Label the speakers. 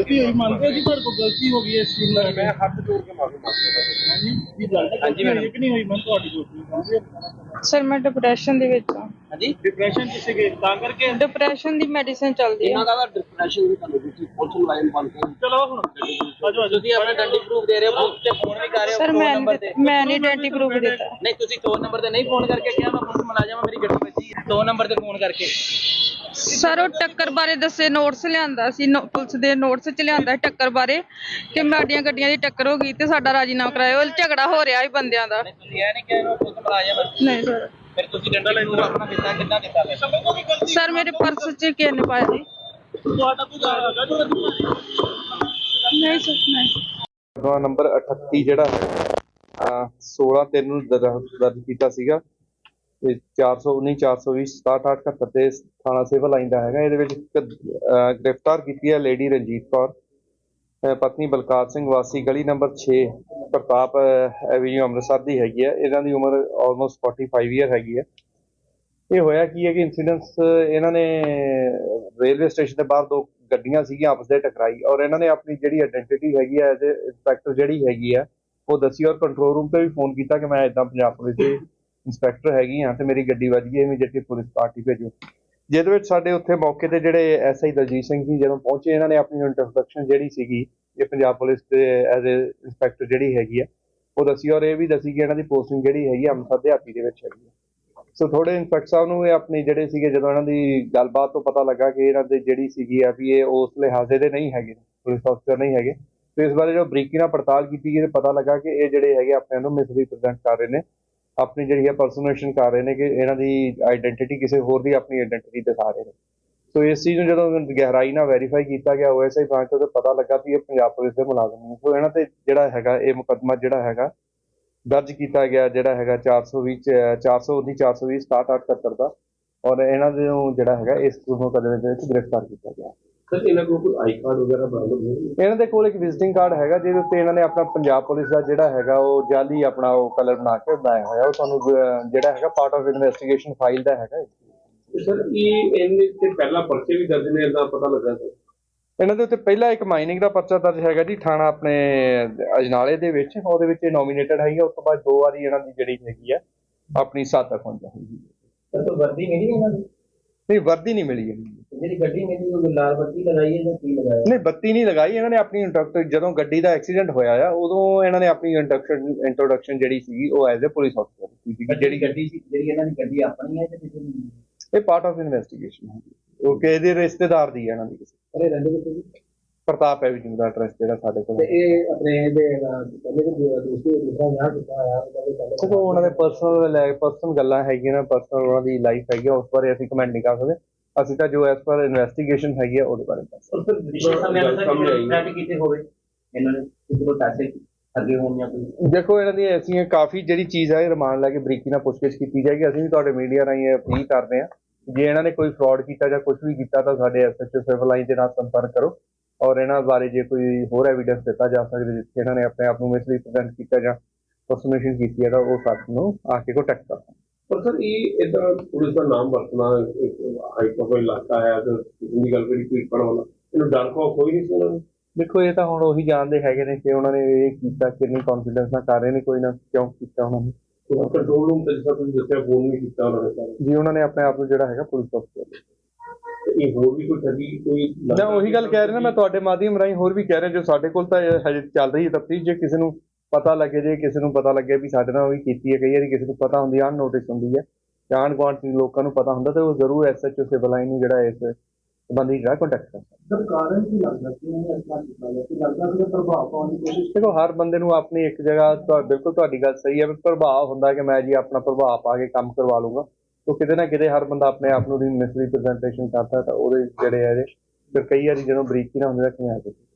Speaker 1: गलती हुई मानते हो जी, ਤੁਹਾਡੇ ਕੋਲ ਗਲਤੀ ਹੋ ਗਈ ਇਸ ਚੀਜ਼ ਨਾਲ?
Speaker 2: मैं हाथ जोड़ के माफी मांगता हूं।
Speaker 1: ਹਾਂਜੀ ਜੀ, ਗਲਤੀ ਹੋਈ ਕਿ ਨਹੀਂ ਹੋਈ ਮੈਂ ਤੁਹਾਡੀ ਕੋਲ?
Speaker 3: ਸਰ ਮੈਂ ਡਿਪਰੈਸ਼ਨ ਦੇ ਵਿੱਚ ਹਾਂ।
Speaker 2: ਹਾਂਜੀ
Speaker 1: ਡਿਪਰੈਸ਼ਨ ਚ ਸੀਗੇ ਤਾਂ ਕਰਕੇ?
Speaker 3: ਡਿਪਰੈਸ਼ਨ ਦੀ ਮੈਡੀਸਿਨ ਚੱਲਦੀ
Speaker 2: ਇਹਨਾਂ
Speaker 3: ਹੈ।
Speaker 2: ਦਾ ਡਿਪਰੈਸ਼ਨ ਵੀ ਤੁਹਾਨੂੰ ਤੁਸੀਂ ਪੁਲਿਸ ਮੁਲਾਜ਼ਮ ਬਣ ਕੇ
Speaker 1: ਚਲੋ ਹੁਣ ਆਜੋ ਆਜੋ।
Speaker 2: ਤੁਸੀਂ ਆਪਣਾ ਡੰਡੀ ਪ੍ਰੂਫ ਦੇ ਰਹੇ ਹੋ, ਬੁੱਕ ਤੇ ਫੋਨ ਵੀ ਕਰ ਰਹੇ ਹੋ
Speaker 3: ਸਰ
Speaker 2: ਫੋਨ
Speaker 3: ਮੈਂ
Speaker 2: ਨੰਬਰ ਤੇ।
Speaker 3: ਮੈਂ ਨਹੀਂ ਆਇਡੈਂਟੀ ਪ੍ਰੂਫ ਦਿੱਤਾ।
Speaker 2: ਨਹੀਂ ਤੁਸੀਂ 100 ਨੰਬਰ ਤੇ ਨਹੀਂ ਫੋਨ ਕਰਕੇ ਕਿਹਾ ਮੈਂ ਪੁਲਿਸ ਮੁਲਾਜ਼ਮ ਹਾਂ, ਮੇਰੀ ਗੱਡੀ ਵੱਜੀ ਹੈ, 100 ਨੰਬਰ ਤੇ ਫੋਨ ਕਰਕੇ।
Speaker 3: ਸਰ ਉਹ ਟੱਕਰ ਬਾਰੇ ਦੱਸੇ ਨੋਟਸ ਲਿਆਂਦਾ ਸੀ, ਪੁਲਿਸ ਦੇ ਨੋਟਸ ਚ ਲਿਆਂਦਾ ਟੱਕਰ ਬਾਰੇ ਕਿ ਸਾਡੀਆਂ ਗੱਡੀਆਂ ਦੀ ਟੱਕਰ ਹੋ ਗਈ ਤੇ ਸਾਡਾ ਰਾਜੀਨਾਮਾ ਕਰਾਇਓ। ਝਗੜਾ ਹੋ ਰਿਹਾ ਸੀ ਬੰਦਿਆਂ ਦਾ।
Speaker 2: ਤੁਸੀਂ ਇਹ ਨਹੀਂ ਕਿਹਾ ਇਹਨੂੰ ਪੁਲਿਸ ਮੁਲਾਜ਼ਮ ਹੈ?
Speaker 3: ਨਹੀਂ ਸਰ।
Speaker 2: ਫਿਰ ਤੁਸੀਂ ਡੰਡਾ ਪ੍ਰੂਫ ਆਪਣਾ ਦਿੱਤਾ ਕਿੰਨਾ ਦਿੱਤਾ ਫਿਰ?
Speaker 3: ਸਰ ਮੇਰੇ ਪਰਸ ਚ ਕਿਸੇ ਨੇ ਪਾਇਆ ਜੀ।
Speaker 1: ਤੁਹਾਡਾ ਕੋਈ ਹੈਗਾ ਜੋ
Speaker 3: ਨਹੀਂ ਸਰ ਨਹੀਂ।
Speaker 4: ਨੰਬਰ 38 ਜਿਹੜਾ ਹੈ 16/3 ਨੂੰ ਦਰਜ ਕੀਤਾ ਸੀਗਾ ਤੇ 419 420 6778 ਤੇ ਥਾਣਾ ਸਿਵਲ ਲਾਈਨ ਦਾ ਹੈਗਾ। ਇਹਦੇ ਵਿੱਚ ਗ੍ਰਿਫਤਾਰ ਕੀਤੀ ਹੈ ਲੇਡੀ ਰਣਜੀਤ ਕੌਰ ਪਤਨੀ ਬਲਕਾਰ ਸਿੰਘ ਵਾਸੀ ਗਲੀ ਨੰਬਰ 6 ਪ੍ਰਤਾਪ ਐਵੀਨਿਊ ਅੰਮ੍ਰਿਤਸਰ ਦੀ ਹੈਗੀ ਹੈ। ਇਹਨਾਂ ਦੀ ਉਮਰ ਆਲਮੋਸਟ 45 ਈਅਰ ਹੈਗੀ ਹੈ। ਇਹ ਹੋਇਆ ਕੀ ਹੈ ਕਿ ਇੰਸੀਡੈਂਟਸ ਇਹਨਾਂ ਨੇ ਰੇਲਵੇ ਸਟੇਸ਼ਨ ਦੇ ਬਾਹਰ ਦੋ ਗੱਡੀਆਂ ਸੀਗੀਆਂ ਆਪਸ ਦੇ ਟਕਰਾਈ ਔਰ ਇਹਨਾਂ ਨੇ ਆਪਣੀ ਜਿਹੜੀ ਆਇਡੈਂਟੀਟੀ ਹੈਗੀ ਹੈ ਐਜ਼ ਇੰਸਪੈਕਟਰ ਜਿਹੜੀ ਹੈਗੀ ਹੈ ਉਹ ਦੱਸੀ ਔਰ ਕੰਟਰੋਲ ਰੂਮ ਤੇ ਵੀ ਫੋਨ ਕੀਤਾ ਕਿ ਮੈਂ ਇਦਾਂ ਪੰਜਾਬ ਪੁਲਿਸ ਦੇ ਇੰਸਪੈਕਟਰ ਹੈਗੀ ਹਾਂ ਤੇ ਮੇਰੀ ਗੱਡੀ ਵੱਜ ਗਈ, ਇਮੀਡੀਏਟਲੀ ਪੁਲਿਸ ਪਾਰਟੀ ਭੇਜੋ। ਜਿਹਦੇ ਵਿੱਚ ਸਾਡੇ ਉੱਥੇ ਮੌਕੇ ਤੇ ਜਿਹੜੇ ਐਸਆਈ ਦਲਜੀਤ ਸਿੰਘ ਜੀ ਜਦੋਂ ਪਹੁੰਚੇ ਇਹਨਾਂ ਨੇ ਆਪਣੀ ਇੰਟਰੋਡਕਸ਼ਨ ਜਿਹੜੀ ਸੀਗੀ ਇਹ ਪੰਜਾਬ ਪੁਲਿਸ ਦੇ ਐਜ਼ ਇੰਸਪੈਕਟਰ ਜਿਹੜੀ ਹੈਗੀ ਆ ਉਹ ਦੱਸੀ ਔਰ ਇਹ ਵੀ ਦੱਸੀ ਕਿ ਇਹਨਾਂ ਦੀ ਪੋਸਟਿੰਗ ਜਿਹੜੀ ਹੈਗੀ ਅੰਮ੍ਰਿਤਸਰ ਦਿਹਾਤੀ ਦੇ ਵਿੱਚ ਹੈਗੀ ਆ। ਸੋ ਥੋੜੇ ਇੰਸਪੈਕਟਰ ਸਾਹਿਬ ਨੂੰ ਇਹ ਆਪਣੇ ਜਿਹੜੇ ਸੀਗੇ ਜਦੋਂ ਇਹਨਾਂ ਦੀ ਗੱਲਬਾਤ ਤੋਂ ਪਤਾ ਲੱਗਾ ਕਿ ਇਹਨਾਂ ਦੇ ਜਿਹੜੀ ਸੀਗੀ ਆ ਵੀ ਇਹ ਉਸ ਲਿਹਾਜ਼ੇ ਦੇ ਨਹੀਂ ਹੈਗੇ, ਪੁਲਿਸ ਅਫਸਰ ਨਹੀਂ ਹੈਗੇ, ਤੇ ਇਸ ਬਾਰੇ ਜੋ ਬਰੀਕੀ ਨਾਲ ਪੜਤਾਲ ਕੀਤੀ ਗਈ ਤੇ ਪਤਾ ਲੱਗਾ ਕਿ ਇਹ ਜਿਹੜੇ ਹੈਗੇ ਆਪਣੇ ਨੂੰ ਮਿਸਰੀਪ੍ਰੈਜ਼ੈਂਟ ਕਰ ਰਹੇ ਨੇ, ਆਪਣੀ ਜਿਹੜੀ ਹੈ ਪਰਸਨੇਸ਼ਨ ਕਰ ਰਹੇ ਨੇ ਕਿ ਇਹਨਾਂ ਦੀ ਆਇਡੈਂਟੀਟੀ ਕਿਸੇ ਹੋਰ ਦੀ ਆਪਣੀ ਆਇਡੈਂਟੀਟੀ ਦਿਖਾ ਰਹੇ ਨੇ। ਸੋ ਇਸ ਚੀਜ਼ ਨੂੰ ਜਦੋਂ ਗਹਿਰਾਈ ਨਾਲ ਵੈਰੀਫਾਈ ਕੀਤਾ ਗਿਆ OSI ਬ੍ਰਾਂਚ ਤੋਂ ਪਤਾ ਲੱਗਾ ਵੀ ਇਹ ਪੰਜਾਬ ਪੁਲਿਸ ਦੇ ਮੁਲਾਜ਼ਮ ਨੇ। ਸੋ ਇਹਨਾਂ ਤੇ ਜਿਹੜਾ ਹੈਗਾ ਇਹ ਮੁਕੱਦਮਾ ਜਿਹੜਾ ਹੈਗਾ ਦਰਜ ਕੀਤਾ ਗਿਆ ਜਿਹੜਾ ਹੈਗਾ 420 419 420 6778 ਦਾ ਔਰ ਇਹਨਾਂ ਦੇ ਜਿਹੜਾ ਹੈਗਾ ਇਸ ਮੁਕੱਦਮੇ ਦੇ ਵਿੱਚ ਗ੍ਰਿਫਤਾਰ ਕੀਤਾ ਗਿਆ।
Speaker 5: ਸਰ ਇਹਨਾਂ ਕੋਲ ਕੋਈ ਆਈ ਕਾਰਡ ਵਗੈਰਾ ਬਰਾਮਦ ਹੋਈ?
Speaker 4: ਇਹਨਾਂ ਦੇ ਕੋਲ ਇੱਕ ਵਿਜ਼ਿਟਿੰਗ ਕਾਰਡ ਹੈਗਾ ਜਿਹਦੇ ਉੱਤੇ ਇਹਨਾਂ ਨੇ ਆਪਣਾ ਪੰਜਾਬ ਪੁਲਿਸ ਦਾ ਜਿਹੜਾ ਹੈਗਾ ਉਹ ਜਾਲੀ ਆਪਣਾ ਉਹ ਕਲਰ ਬਣਾ ਕੇ ਬਣਾਇਆ ਹੋਇਆ। ਉਹ ਤੁਹਾਨੂੰ ਜਿਹੜਾ ਹੈਗਾ ਪਾਰਟ ਆਫ ਇਨਵੈਸਟੀਗੇਸ਼ਨ ਫਾਈਲ ਦਾ ਹੈਗਾ।
Speaker 5: ਸਰ ਇਹ ਇਹਨੇ ਤੇ ਪਹਿਲਾਂ ਪਰਚੇ ਵੀ ਦਰਜ ਨੇ ਇਹਦਾ ਪਤਾ ਲੱਗਾ ਸਰ?
Speaker 4: ਇਹਨਾਂ ਦੇ ਉੱਤੇ ਪਹਿਲਾਂ ਇੱਕ ਮਾਈਨਿੰਗ ਦਾ ਪਰਚਾ ਦਰਜ ਹੈਗਾ ਜੀ ਥਾਣਾ ਆਪਣੇ ਅਜਨਾਲੇ ਦੇ ਵਿੱਚ, ਉਹਦੇ ਵਿੱਚ ਇਹ ਨੋਮੀਨੇਟਡ ਹੈਗੀ। ਉਸ ਤੋਂ ਬਾਅਦ 2 ਵਾਰੀ ਇਹਨਾਂ ਦੀ ਜਿਹੜੀ ਹੈਗੀ ਆ ਆਪਣੀ ਸਾਥਕ ਹੋਣ ਚਾਹੀਦੀ ਹੈ।
Speaker 2: ਸਰ ਵਰਦੀ ਮਿਲੀ ਇਹਨਾਂ ਨੂੰ?
Speaker 4: ਨਹੀਂ ਵਰਦੀ ਨਹੀਂ ਮਿਲੀ ਹੈਗੀ।
Speaker 2: ਜਿਹੜੀ ਗੱਡੀ ਮਿਲੀ ਉਹ ਲਾਲ ਬੱਤੀ ਲਗਾਈ ਹੈ ਜਾਂ ਕੀ ਲਗਾਇਆ?
Speaker 4: ਨਹੀਂ ਬੱਤੀ ਨਹੀਂ ਲਗਾਈ ਇਹਨਾਂ ਨੇ ਆਪਣੀ ਇੰਟਰੋਡਕਸ਼ਨ ਜਦੋਂ ਗੱਡੀ ਦਾ ਐਕਸੀਡੈਂਟ ਹੋਇਆ ਆ ਉਦੋਂ ਇਹਨਾਂ ਨੇ ਆਪਣੀ ਇੰਟਰੋਡਕਸ਼ਨ ਜਿਹੜੀ ਸੀਗੀ ਉਹ ਐਜ਼ ਅ ਪੁਲਿਸ ਅਫਸਰ ਕੀਤੀ।
Speaker 2: ਜਿਹੜੀ ਗੱਡੀ ਸੀ ਜਿਹੜੀ ਇਹਨਾਂ ਦੀ ਗੱਡੀ ਆਪਣੀ ਹੈ ਜਾਂ ਕਿਸੇ ਦੀ?
Speaker 4: ਇਹ ਪਾਰਟ ਆਫ ਇਨਵੈਸਟੀਗੇਸ਼ਨ ਹੈ। ਉਹ ਕਿਸੇ ਦੇ ਰਿਸ਼ਤੇਦਾਰ ਦੀ ਹੈ ਇਹਨਾਂ ਦੀ ਕਿਸੇ।
Speaker 2: ਅਰੇ ਰਹਿੰਦੇ ਕਿੱਥੇ ਜੀ?
Speaker 4: ਪ੍ਰਤਾਪ ਐਵੀਨਿਊ ਦਾ ਐਡਰੈਸ ਜਿਹੜਾ ਸਾਡੇ ਕੋਲ
Speaker 2: ਤੇ ਇਹ ਆਪਣੇ ਇਹਦੇ ਪਹਿਲੇ ਦੇ ਦੂਸਰਾ ਵਿਆਹ ਕੀਤਾ ਹੋਇਆ
Speaker 4: ਦੇਖੋ ਉਹਨਾਂ ਦੇ ਪਰਸਨਲ ਗੱਲਾਂ ਹੈਗੀਆਂ ਨਾ, ਪਰਸਨਲ ਉਹਨਾਂ ਦੀ ਲਾਈਫ ਹੈਗੀ ਉਸ ਬਾਰੇ ਅਸੀਂ ਕਮੈਂਟ ਨਹੀਂ ਕਰ ਸਕਦੇ। ਅਸੀਂ ਤਾਂ ਜੋ ਐਸ ਪਰ ਇਨਵੈਸਟੀਗੇਸ਼ਨ ਹੈਗੀ ਆ ਉਹਦੇ ਬਾਰੇ ਦੱਸ
Speaker 2: ਕੀਤੇ ਹੋਵੇ ਇਹਨਾਂ ਨੇ ਕਿਸੇ ਕੋਲ ਪੈਸੇ ਅੱਗੇ ਹੋਣ ਜਾਂ ਕੋਈ?
Speaker 4: ਦੇਖੋ ਇਹਨਾਂ ਦੀ ਐਸੀਆਂ ਕਾਫੀ ਜਿਹੜੀ ਚੀਜ਼ ਹੈ ਰਿਮਾਂਡ ਲੈ ਕੇ ਬਰੀਕੀ ਨਾਲ ਪੁੱਛਗਿੱਛ ਕੀਤੀ ਜਾਏਗੀ। ਅਸੀਂ ਵੀ ਤੁਹਾਡੇ ਮੀਡੀਆ ਰਾਹੀਂ ਇਹ ਅਪੀਲ ਕਰਦੇ ਹਾਂ ਜੇ ਇਹਨਾਂ ਨੇ ਕੋਈ ਫਰਾਡ ਕੀਤਾ ਜਾਂ ਕੁਝ ਵੀ ਕੀਤਾ ਤਾਂ ਸਾਡੇ SHO ਸਿਵਲ ਲਾਈਨ ਦੇ ਨਾਲ ਸੰਪਰਕ ਕਰੋ ਔਰ ਇਹਨਾਂ ਬਾਰੇ ਜੇ ਕੋਈ ਹੋਰ ਐਵੀਡੈਂਸ ਦਿੱਤਾ ਜਾ ਸਕਦਾ ਜਿੱਥੇ ਇਹਨਾਂ ਨੇ ਆਪਣੇ ਆਪ ਨੂੰ ਮਿਸਰੀਪ੍ਰੈਜ਼ੈਂਟ ਕੀਤਾ ਜਾਂ ਪਰਸਨੇਸ਼ਨ ਕੀਤੀ ਹੈ ਤਾਂ ਉਹ ਸਾਨੂੰ ਆ ਕੇ ਕੰਟੈਕਟ ਕਰੋ।
Speaker 5: ਪਰ ਸਰ ਇਹ ਇਦਾਂ ਪੁਲਿਸ ਦਾ ਨਾਮ ਵਰਤਣਾ ਹਾਈ ਪ੍ਰੋਫਾਈਲ ਇਲਾਕਾ ਹੈ ਤੇ ਜਿੰਨੀ ਗੱਲ ਕਰੀ ਕੋਈ ਪੜ੍ਹਨ ਵਾਲਾ ਇਹਨੂੰ ਡਰ ਖੌਫ ਕੋਈ ਨਹੀਂ ਸੀ ਇਹਨਾਂ ਨੂੰ?
Speaker 4: ਦੇਖੋ ਇਹ ਤਾਂ ਹੁਣ ਉਹੀ ਜਾਣਦੇ ਹੈਗੇ ਨੇ ਕਿ ਉਹਨਾਂ ਨੇ ਇਹ ਕੀਤਾ ਕਿੰਨੀ ਕੌਨਫੀਡੈਂਸ ਨਾਲ ਕਰ ਰਹੇ ਨੇ, ਕੋਈ ਨਾ ਕਿਉਂ ਕੀਤਾ ਉਹਨਾਂ ਨੇ।
Speaker 5: ਕੰਟਰੋਲ ਰੂਮ ਤੇ ਜਿਸ ਤੁਸੀਂ ਦੱਸਿਆ ਫੋਨ ਵੀ ਕੀਤਾ ਉਹਨਾਂ ਨੇ
Speaker 4: ਜੀ ਉਹਨਾਂ ਨੇ ਆਪਣੇ ਆਪ ਨੂੰ ਜਿਹੜਾ ਹੈਗਾ ਪੁਲਿਸ ਅਫਸਰ
Speaker 5: ਇਹ ਹੋਰ ਵੀ ਕੋਈ ਠੱਗੀ ਕੋਈ?
Speaker 4: ਮੈਂ ਉਹੀ ਗੱਲ ਕਹਿ ਰਿਹਾ ਨਾ, ਮੈਂ ਤੁਹਾਡੇ ਮਾਧਿਅਮ ਰਾਹੀਂ ਹੋਰ ਵੀ ਕਹਿ ਰਿਹਾ ਜੋ ਸਾਡੇ ਕੋਲ ਤਾਂ ਹਜੇ ਚੱਲ ਰਹੀ ਹੈ ਤਫਤੀਸ਼। ਜੇ ਕਿਸੇ ਨੂੰ ਪਤਾ ਲੱਗੇ ਜੇ ਕਿਸੇ ਨੂੰ ਪਤਾ ਲੱਗੇ ਵੀ ਸਾਡੇ ਨਾਲ ਉਹ ਵੀ ਕੀਤੀ ਹੈ, ਕਈ ਵਾਰੀ ਕਿਸੇ ਨੂੰ ਪਤਾ ਹੁੰਦੀ ਹੈ ਅਨਨੋਟਿਸ ਹੁੰਦੀ ਹੈ ਜਾਣ ਗੁਆਂਢ ਦੇ ਲੋਕਾਂ ਨੂੰ ਪਤਾ ਹੁੰਦਾ ਤੇ ਉਹ ਜ਼ਰੂਰ SHO ਸਿਵਲ ਲਾਈਨ ਨੂੰ ਜਿਹੜਾ ਇਸ ਸੰਬੰਧੀ ਜਿਹੜਾ ਕੰਟੈਕਟ ਕਰ ਸਕਦਾ।
Speaker 1: ਸਰ ਕਾਰਨ ਕੀ ਲੱਗਦਾ ਕਿ ਉਹਨੇ ਇਸ ਤਰ੍ਹਾਂ ਕੀਤਾ ਹੈ ਕਿ ਲੱਗਦਾ ਕਿ ਪ੍ਰਭਾਵ ਪਾਉਣ ਦੀ ਕੋਸ਼ਿਸ਼?
Speaker 4: ਦੇਖੋ ਹਰ ਬੰਦੇ ਨੂੰ ਆਪਣੀ ਇੱਕ ਜਗ੍ਹਾ ਬਿਲਕੁਲ ਤੁਹਾਡੀ ਗੱਲ ਸਹੀ ਹੈ ਵੀ ਪ੍ਰਭਾਵ ਹੁੰਦਾ ਕਿ ਮੈਂ ਜੀ ਆਪਣਾ ਪ੍ਰਭਾਵ ਪਾ ਕੇ ਕੰਮ ਕਰਵਾ ਲੂੰਗਾ। तो किते ना किते हर बंदा अपने आप मिसरीप्रजेंटेशन करता है तो ਉਹਦੇ ਜਿਹੜੇ ਹੈ ਫਿਰ ਕਈ ਵਾਰੀ ਜਦੋਂ ਬਰੀਕੀ ਨਾ ਹੁੰਦੇ ਤਾਂ ਕਿਵੇਂ ਆ ਜਾਂਦੇ।